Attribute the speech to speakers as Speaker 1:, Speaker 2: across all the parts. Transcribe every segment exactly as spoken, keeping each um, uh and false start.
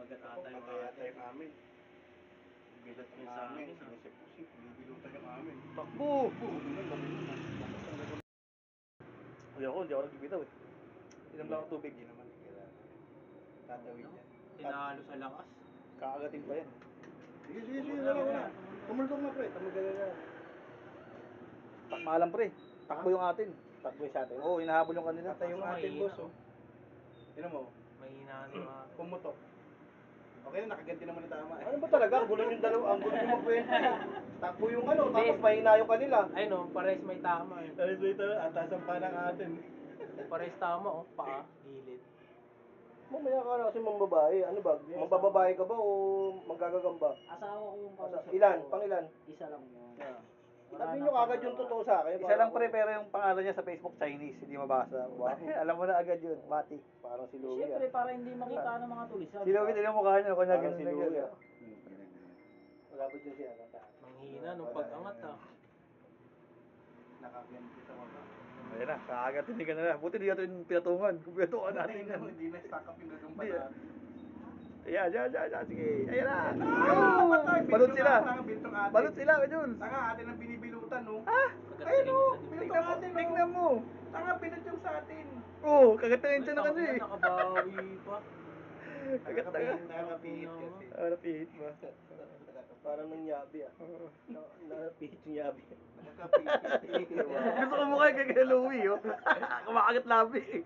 Speaker 1: Pag-agat ata yung
Speaker 2: Pag-ayata
Speaker 1: atin.
Speaker 2: yung amin. Bilat
Speaker 1: Yung
Speaker 2: ng
Speaker 1: sa
Speaker 2: amin,
Speaker 1: amin, ah.
Speaker 2: sinisip-sip, bibilutan yung amin.
Speaker 3: Takbo!
Speaker 2: Oo, ganun, laki nun. Lakas ng ganun.
Speaker 3: Hindi ako, hindi ako nagbibitaw eh. Inom lang ang tubig.
Speaker 2: Hindi naman, kailangan. Tatawid
Speaker 1: No?
Speaker 2: yan.
Speaker 1: Tinalo sa lakas.
Speaker 3: Kakagating pa yan.
Speaker 2: Sige, sige, sige, wala, wala. Tumulong na pre, tamagalala.
Speaker 3: Takmalan pre. Takbo yung atin.
Speaker 2: Takbo yung sa atin.
Speaker 3: Oo, hinahabol yung kanila.
Speaker 2: Patay yung
Speaker 1: Kaso
Speaker 2: atin,
Speaker 1: mahina,
Speaker 2: boss, oh. Tinan mo,
Speaker 1: Mahina na yung atin.
Speaker 2: pumutok. Okay na, nakaganti naman ni tama eh.
Speaker 3: Ano ba talaga? Ang gulo yung dalawa, ang gulo yung magkwento eh.
Speaker 2: Takbo yung ano,
Speaker 1: Hindi.
Speaker 2: tapos mahina yung kanila.
Speaker 1: Ayun o, pares may tama eh.
Speaker 2: Alis dito, atasan pa ng atin.
Speaker 1: Pares tama oh, paa, gilid.
Speaker 3: Mamaya ka na kasi mambabae. Ano ba? Mambababae ka ba o manggagagamba?
Speaker 4: Asawa ko yung
Speaker 3: Asa,
Speaker 4: kausap
Speaker 3: ilan?
Speaker 4: ko.
Speaker 3: Pang ilan?
Speaker 4: Isa lang yun.
Speaker 3: Yeah.
Speaker 4: Wala
Speaker 3: Sabihin
Speaker 4: na
Speaker 3: nyo kagad yung
Speaker 4: pangalawa.
Speaker 3: totoo sa akin. Isa lang pre, pero yung pangalan niya sa Facebook Chinese, hindi mabasa. Wow. Alam mo na agad yun, Mati. Parang si Louie
Speaker 4: Siyempre,
Speaker 3: ah.
Speaker 4: para hindi makita ng mga tulisan.
Speaker 3: Si Louie, tignan mo mukha niya, kanya
Speaker 2: Parang
Speaker 3: ganun
Speaker 2: si
Speaker 3: na
Speaker 2: Louie,
Speaker 3: ganun.
Speaker 2: ah.
Speaker 3: Wala ba dyan si ano?
Speaker 1: Manghina nung pag-angat ah.
Speaker 2: Nakaganti sa baba.
Speaker 3: Ayan na, kakagatin ka na na. Buti di natin pinatungan. Kung pinatungan natin yan.
Speaker 2: Hindi na stack up yung gagamba
Speaker 3: Hindi.
Speaker 2: natin.
Speaker 3: Ayan, ayan, ayan, ayan. Sige, ayan na.
Speaker 2: Ah, patay!
Speaker 3: Balot sila.
Speaker 2: Bintong atin.
Speaker 3: Balot sila, Jules.
Speaker 2: Tanga, atin ang binibilutan, no?
Speaker 3: Ah,
Speaker 2: Ayun, no?
Speaker 1: Pagkat
Speaker 2: Binutong
Speaker 3: tingnan mo,
Speaker 2: atin, no?
Speaker 3: tingnan mo.
Speaker 2: Tanga, binut yung sa atin.
Speaker 3: Oo, oh, kagatingin siya na
Speaker 1: Ay,
Speaker 3: kasi.
Speaker 1: tangina, nakabawi pa.
Speaker 2: Nakakapihit, nakakapihit
Speaker 1: Naku
Speaker 2: kasi.
Speaker 3: Ah, napihit ba? Parang nangyabi ah. Na, napihit yung yabi.
Speaker 2: Nakakapihit.
Speaker 3: Gusto ko mukha kay kay Louie, oh. Kumakagat labi eh.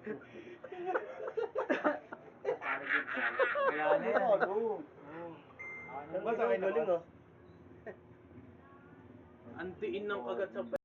Speaker 1: Kaya na yan.
Speaker 3: Ano?
Speaker 2: Basta kayo galing, oh.
Speaker 1: Antiin ng kagat sa